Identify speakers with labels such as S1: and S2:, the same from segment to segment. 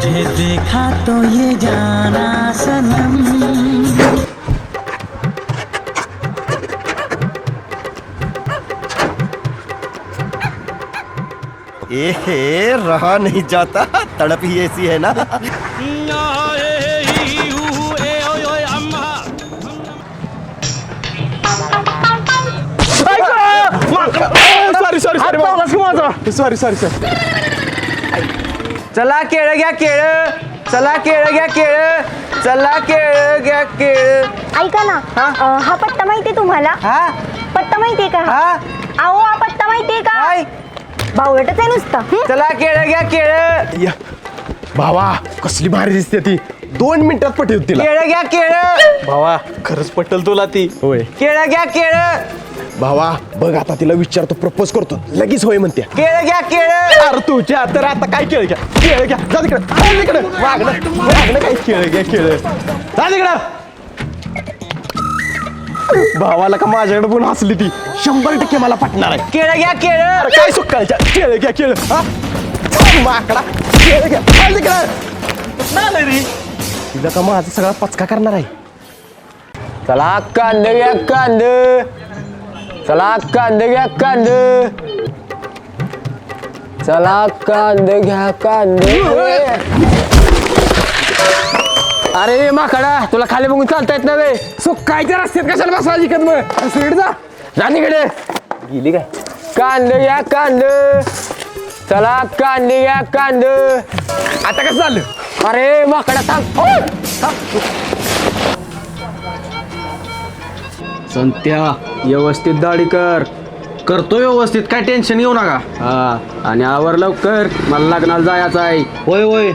S1: तुझे देखा तो ये जाना सनम।
S2: ए रहा नहीं जाता, तड़प ही ऐसी है ना।
S3: सॉरी चला केळ घ्या केळ, चला केळ घ्या केळ, चला केळ घ्या केळ.
S4: ऐका ना, हा पत्ता माहितीये तुम्हाला?
S3: हा
S4: पत्ता माहितीये का?
S3: हा
S4: अहो हा पत्ता माहितीये का?
S3: काय?
S4: बावळटच आहे नुसतं.
S3: चला केळ घ्या केळ,
S5: भावा कसली भारी दिसते ती, 2 मिनिटात पटेल तिला.
S3: केळ घ्या केळ,
S5: भावा खरंच पटेल तुला ती. होय
S3: केळ घ्या केळ,
S5: भावा बघ आता तिला विचारतो, प्रपोज करतो, लगेच होय म्हणते.
S3: केळ घ्या केळ.
S5: अरे तुझ्या तर आता काय केळ घ्या केळ घ्या, जा तिकडे वागणं काय केळ घ्या केळ, जा तिकडं. भावाला का माझ्याकडे पण हसली ती, 100% मला पटणार आहे.
S3: केळ घ्या केळ.
S5: अरे काय सुकायच्या केळ घ्या केळ, हा माकडा केळ घ्या, जा तिकडं. तिला का माझा सगळा पचका करणार आहे.
S3: चला कांद घ्या कांद, चला कांद घ्या कांद, चला कांद घ्या कांद. अरे माकडा, तुला खाली बघून चालता येत नव्हे.
S5: सुकायच्या रस्त्यात कशाला बसवायची कद मग, स्पीड जा.
S3: जा तिकडे.
S5: गेली काय?
S3: कांद घ्या कांद, चला कांद घ्या कांद.
S5: आता कसं झालं?
S3: अरे माकडा थांब.
S6: संत्या व्यवस्थित दाढी कर. करतो व्यवस्थित, काय टेन्शन घेऊ नका. हा आणि आवर लवकर, मला लग्नाला जायचं आहे. होय होय.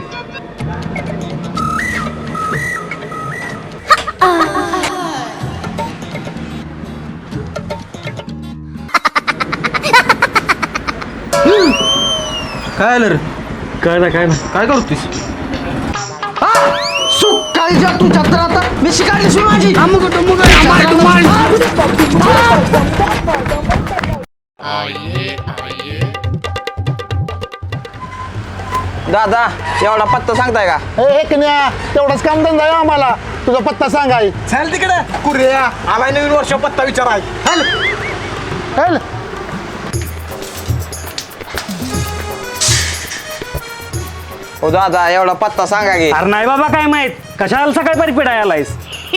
S6: काय आलं रे?
S5: काय ना
S6: काय करतोस?
S3: सुकाळीच्या तुझ्या तर आता मी शिकायली सुरू माझी. दादा एवढा पत्ता सांगताय का?
S5: तेवढाच काम धंदा आहे आम्हाला, तुझा पत्ता सांगाय.
S3: चल तिकडे कुर्या, आलाय नवीन वर्ष पत्ता विचाराय.
S5: हल
S3: हो दादा एवढा पत्ता सांगा की.
S6: अरे नाही बाबा काय माहित, कशाला सकाळी परिपेट आलायस?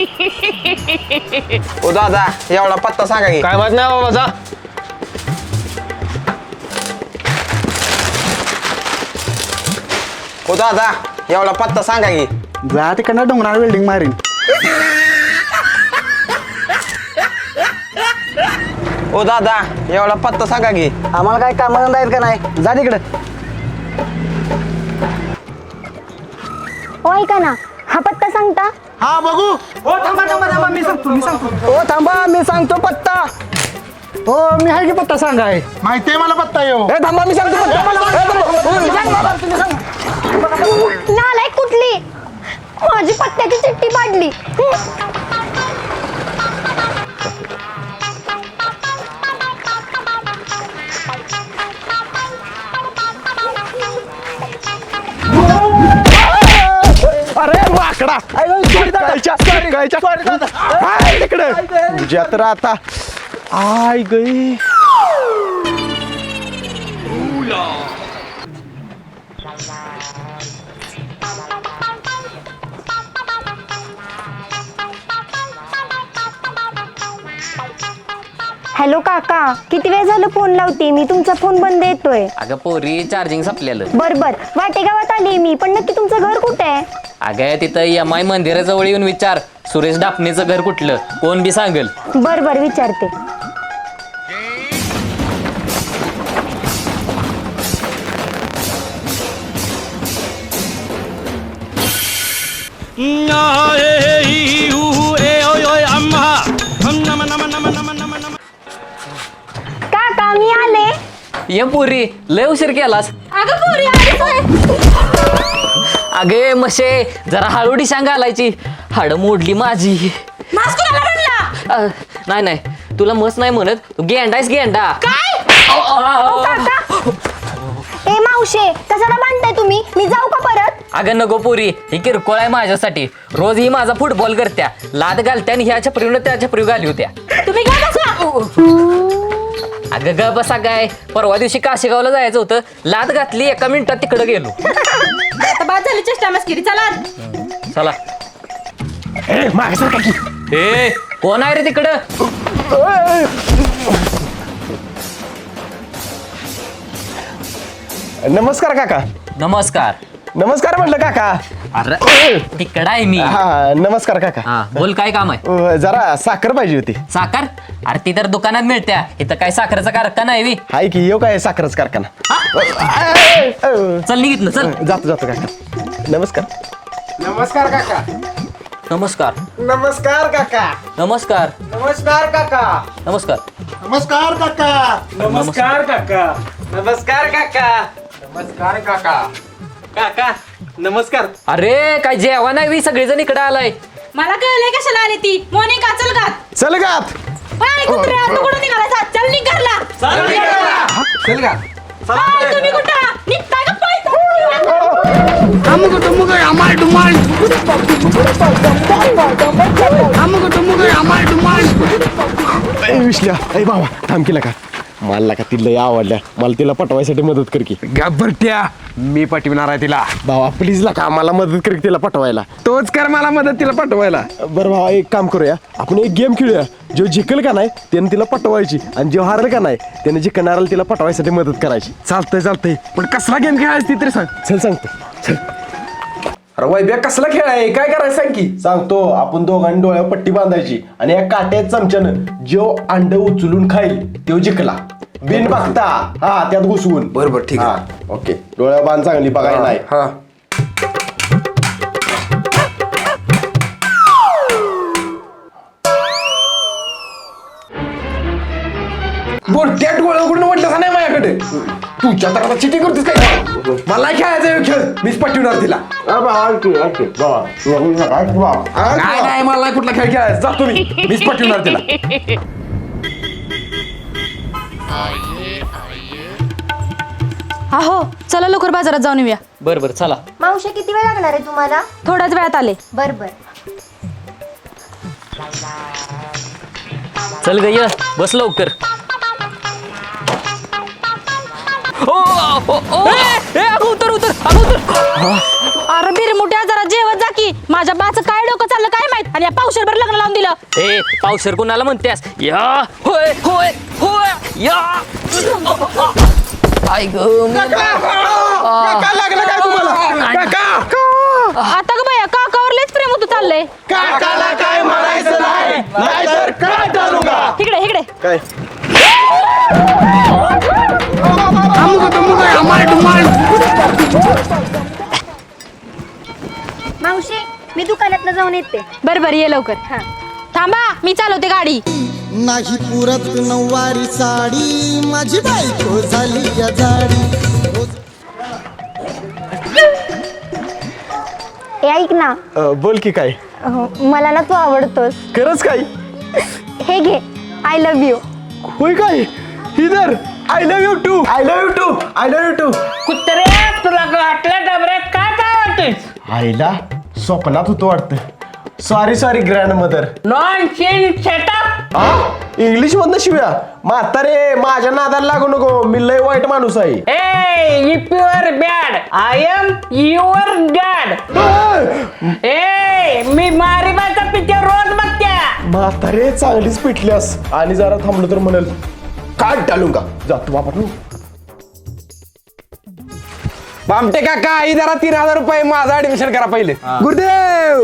S3: हो दादा एवढा पत्ता सांगा की.
S5: काय माहित नाही बाबा, जा.
S3: हो दादा एवढा पत्ता सांगा की.
S5: जा तिकडनं डोंगरावर वेल्डिंग मारीन.
S3: हो दादा एवढा पत्ता सांगा की.
S5: आम्हाला काय कामधंदा आहेत का नाही, जा तिकडे.
S4: हो ऐका ना, हा पत्ता सांगता?
S5: हा बघू.
S3: हो थांबा मी सांगतो.
S5: हो थांबा, मी सांगतो पत्ता. हो मी आहे की पत्ता सांगाय, माहितीये मला पत्ता येऊ.
S3: ए थांबा मी सांगतो
S4: नालायक कुठली, माझी पत्त्याची चिठ्ठी पाडली.
S5: अरे माकडा, तिकडे तुझ्या तर आता आय गई.
S4: हॅलो काका, किती वेळ झालं फोन लावते मी, तुमचा फोन बंद येतोय.
S7: अगं पोरी चार्जिंग संपलेलं.
S4: बर वाटेगावात आली मी, पण नक्की तुमचं घर कुठे आहे?
S7: अगं तिथं MI मंदिराजवळ येऊन विचार, सुरेश डापणेचं घर कुठलं, कोण बी सांगेल.
S4: बर विचारते. काका मी आले.
S7: ये पोरी लय उशीर केलास.
S4: अगं पोरी
S7: अगे मशे जरा हळूडी सांग घालायची, हाड मोडली माझी. नाही तुला मस नाही म्हणत, तू गेंडायस गेंडा.
S4: ए मावशे, कशाला बांधताय तुम्ही? मी जाऊ का परत?
S7: अगं नको पोरी ही किरकोळ आहे माझ्यासाठी. रोज ही माझा फुटबॉल करत्या, लाद घालत्या आणि ह्या छपरीनं त्या छपरी घाली होत्या.
S8: तुम्ही काय बसा.
S7: अगं ग बसा काय, परवा दिवशी काशेगावला जायचं होतं, लाद घातली, 1 मिनिटात तिकडं गेलो.
S8: आता बाद झाली चेष्टा मस्करी. चला
S7: चला.
S5: ए मागे सरका की.
S7: ए कोण आहे रे तिकडं?
S5: नमस्कार काका.
S7: नमस्कार.
S5: नमस्कार म्हटलं काका.
S7: अरे तिकडं आहे मी.
S5: हा नमस्कार काका.
S7: हा बोल, काय काम आहे?
S5: जरा साखर पाहिजे होती.
S7: साखर? अरे ती तर दुकानात मिळत्या, इथं काय साखरेचा कारखाना आहे बी?
S5: हाय की येऊ काय साखरच कारखाना.
S7: चल निघित ना, चल.
S5: जातो जातो काका. नमस्कार.
S3: नमस्कार काका.
S7: नमस्कार.
S3: नमस्कार काका.
S7: नमस्कार.
S3: नमस्कार काका.
S7: नमस्कार.
S2: नमस्कार काका.
S3: नमस्कार काका. नमस्कार काका. नमस्कार काका. काका नमस्कार.
S7: अरे काय जेवण आहे बी, सगळेजण इकडे आलाय.
S8: मला कळलंय कशाला आली ती. मोनिका चल घात.
S5: चल गात.
S8: हाय कुत्र्या, तू कुठं निघाला? चल निघ घरला.
S3: चल का.
S8: हाय, तुम्ही कुठं निघताय का पळताय?
S5: विश्ल्या ए बाबा थांब केला का. मला का तिला आवडल्या, मला तिला पटवायसाठी मदत कर की.
S3: घाबरट्या मी पटविणार आहे तिला.
S5: भावा प्लीज ला का मला मदत कर की तिला पटवायला.
S3: तोच कर मला मदत तिला पटवायला.
S5: बरं भावा एक काम करूया, आपण एक गेम खेळूया. जो जिंकल का नाही त्याने तिला पटवायची, आणि जो हारल का नाही त्याने जिंकणाऱ्याला तिला पटवायसाठी मदत करायची.
S3: चालतंय पण कसला गेम खेळायची ती तरी सांग.
S5: चल सांगतो. चल
S3: अरे वैभ्या कसला खेळ आहे, काय करायचं सांग की.
S5: सांगतो. आपण दोघांनी डोळ्यावर पट्टी बांधायची आणि या काट्यात चमच्यानं जो अंड उचलून खाईल तो जिंकला. बिन बघता हा त्यात घुसवून.
S3: बरोबर, ठीक आहे.
S5: हा, ओके. डोळ्यावर बांध चांगली बघायला नाही.
S3: हा. बोलत्या डोळ्या उघडून म्हटलं नाही माझ्याकडे. तुझ्या तर आता चिटी करतेस काय. मला खेळायचा खेळ, मीच पटविणार तिला. काय नाही, मला नाही कुठला खेळ खेळायचा. जातो मीच पटविणार तिला.
S8: अहो चला लवकर बाजारात जाऊन येऊया.
S7: बरं बरं चला.
S4: मावशी किती वेळ लागणार आहे तुम्हाला?
S8: थोड्याच वेळात आले.
S4: बर बर.
S7: चल ग ये, बस लवकर. ओ ओ ओ ए अगं उतर उतर, अगं उतर.
S8: अरे बिरमुट्या जरा जेवत जा की. माझ्या बाचं काय डोकं चाललं काय माहित, आणि या पावशेरभर लग्न लावून दिलं.
S7: ए पावशर कुणाला म्हणतेस? या होय होय होय या. आई ग
S5: लागलं काय तुम्हाला?
S8: आता ग बया काकावर लयच प्रेम होतं चाललंय.
S5: काकाला काय म्हणायचं नाही, नाहीतर काय टाळू का?
S8: इकडे इकडे.
S5: काय
S4: मावशी मी दुकानात जाऊन येते.
S8: बर ये लवकर. थांबा मी चालवते गाडी.
S1: नाही पुरत नऊवारी साडी, माझी बायको झाली या जाडी.
S4: ए ऐक ना.
S5: बोल की काय.
S4: मला ना तू आवडतोस.
S5: खरंच काय.
S4: हे घे, आय लव्ह यू.
S5: होय काय. इधर I love you too. I love you too. I love you too.
S9: कुत्रे तुला वाटल्या डबऱ्यात काय काय वाटतेस?
S5: आईला स्वप्नात होतो वाटतं. Sorry grandmother.
S9: Nonsense setup.
S5: English मधनं शिव्या. म्हातारे माझ्या नादाला लागू नको, मी लय वाईट माणूस आहे.
S9: ए if you are bad I am your dad. ए मी मारिबाचा पिक्चर रोज बघत्या.
S5: म्हातारे चांगलीच पिटल्यास, आणि जरा थांबलो तर म्हणेल काट टाळू का. जातो बाबा तू.
S3: बामटे काका ही जरा 3000 रुपये माझं ऍडमिशन करा पहिले. गुरुदेव.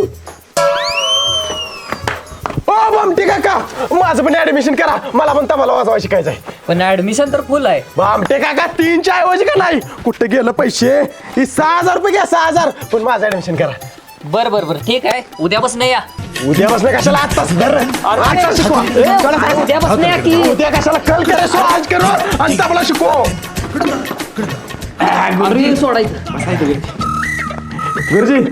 S5: ओ बामटे काका माझं पण ऍडमिशन करा, मला पण तबला वाजवायला शिकायचं आहे.
S7: पण ऍडमिशन तर फुल आहे.
S5: बामटे काका 3च्या ऐवजी का नाही, कुठे गेलं पैसे. ही 6000 रुपये घ्या, 6000. पण माझं ऍडमिशन करा.
S7: बर बर बर ठीक आहे, उद्यापासून या.
S5: उद्या बसले कशाला आत्ताच धर. आजचा शिकवा.
S7: उद्यापासून या की.
S5: उद्या कशाला कल करे सो आज करो आणि तबला शिकव.
S7: अरे सोडायचं.
S5: गुरुजी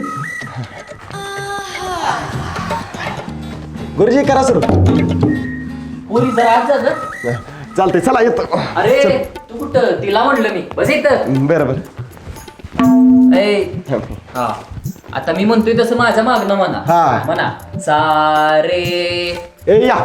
S5: गुरुजी करा सुरू.
S7: पुरी जरा आज जा गं.
S5: चालतंय चला येतो.
S7: अरे तू कुठं, तिला म्हणलं मी बस इथं.
S5: बरं
S7: ए हा आता मी म्हणतोय तसं माझ्या मागणं म्हणा
S5: हा.
S7: म्हणा सारे.
S5: ए या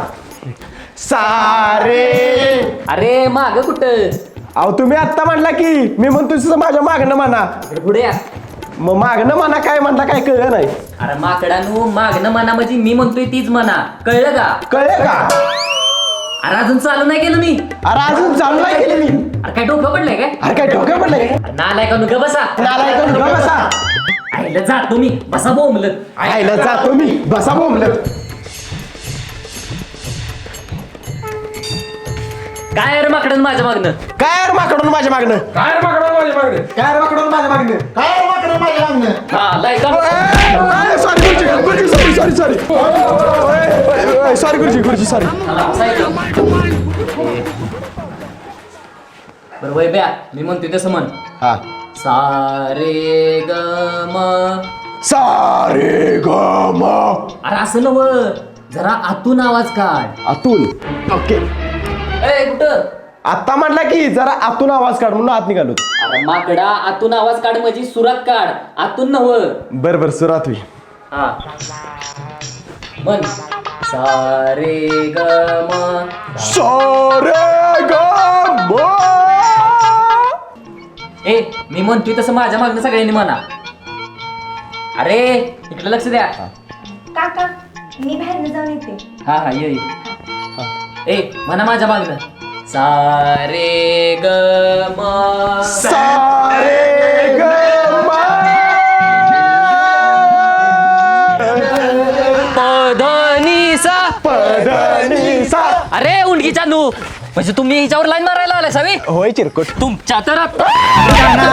S5: सारे.
S7: अरे माग कुठं
S5: अहो तुम्ही आत्ता म्हणला की मी म्हणतो तसं माझ्या मागणं म्हणा.
S7: इकडे पुढे या.
S5: मग मागणं म्हणा काय म्हणता काय कळलं नाही.
S7: अरे माकडानू मागणं म्हणा म्हणजे मी म्हणतोय तीच म्हणा कळलं का?
S5: कळलं का?
S7: अरे अजून चालू नाही केलं मी.
S5: अरे अजून चालू नाही केलं मी.
S7: अरे काय डोकं पडलंय काय?
S5: अरे काय डोक्यात पडलंय काय?
S7: नालाय का नुका बसा.
S5: नालायक ग बसा.
S7: आईला जातो मी बसा बोंबलत.
S5: आईला जातो मी बसा बोंबलत.
S7: काय रे माकडन माझ्या मागणं?
S5: काय रे माकडून माझ्या मागणं?
S3: काय रे माकडं माझ्या मागणे?
S1: काय रे माकडं माझ्या मागणं? काय रे माकडं माझ्या मागणं?
S7: हा लायका.
S5: सॉरी गुरुजी सॉरी सॉरी सॉरी गुरुजी सॉरी.
S7: बरं वय ब्या मी म्हणतोय तसं म्हण.
S5: हा
S7: सारे ग म.
S5: सारे ग म.
S7: अरे असं नव जरा आतून आवाज काढ.
S5: आतून. ओके.
S7: ए कुठं?
S5: आता म्हटला की जरा आतून आवाज काढ म्हणून आत निघालो.
S7: अरे माकडा आतून आवाज काढ म्हणजे सुरात काढ आतून नव.
S5: बर बर सुरात होई.
S7: हा म्हण सारे ग म.
S5: सारे ग म.
S7: ए मी म्हणतोय तसं माझ्या मागणं सगळ्यांनी म्हणा. अरे इकडे लक्ष द्या.
S4: काका मी बाहेर जाऊन येते.
S7: हा हा ये ए म्हणा माझ्या मागणं सारे ग म.
S5: सारे ग म.
S7: पधनीसा.
S5: पधनीसा.
S7: अरे उंडकीच्या नू म्हणजे तुम्ही हिच्यावर लाईन मारायला आलाय सवी.
S5: होय चिरकुट.
S7: तुमच्या तर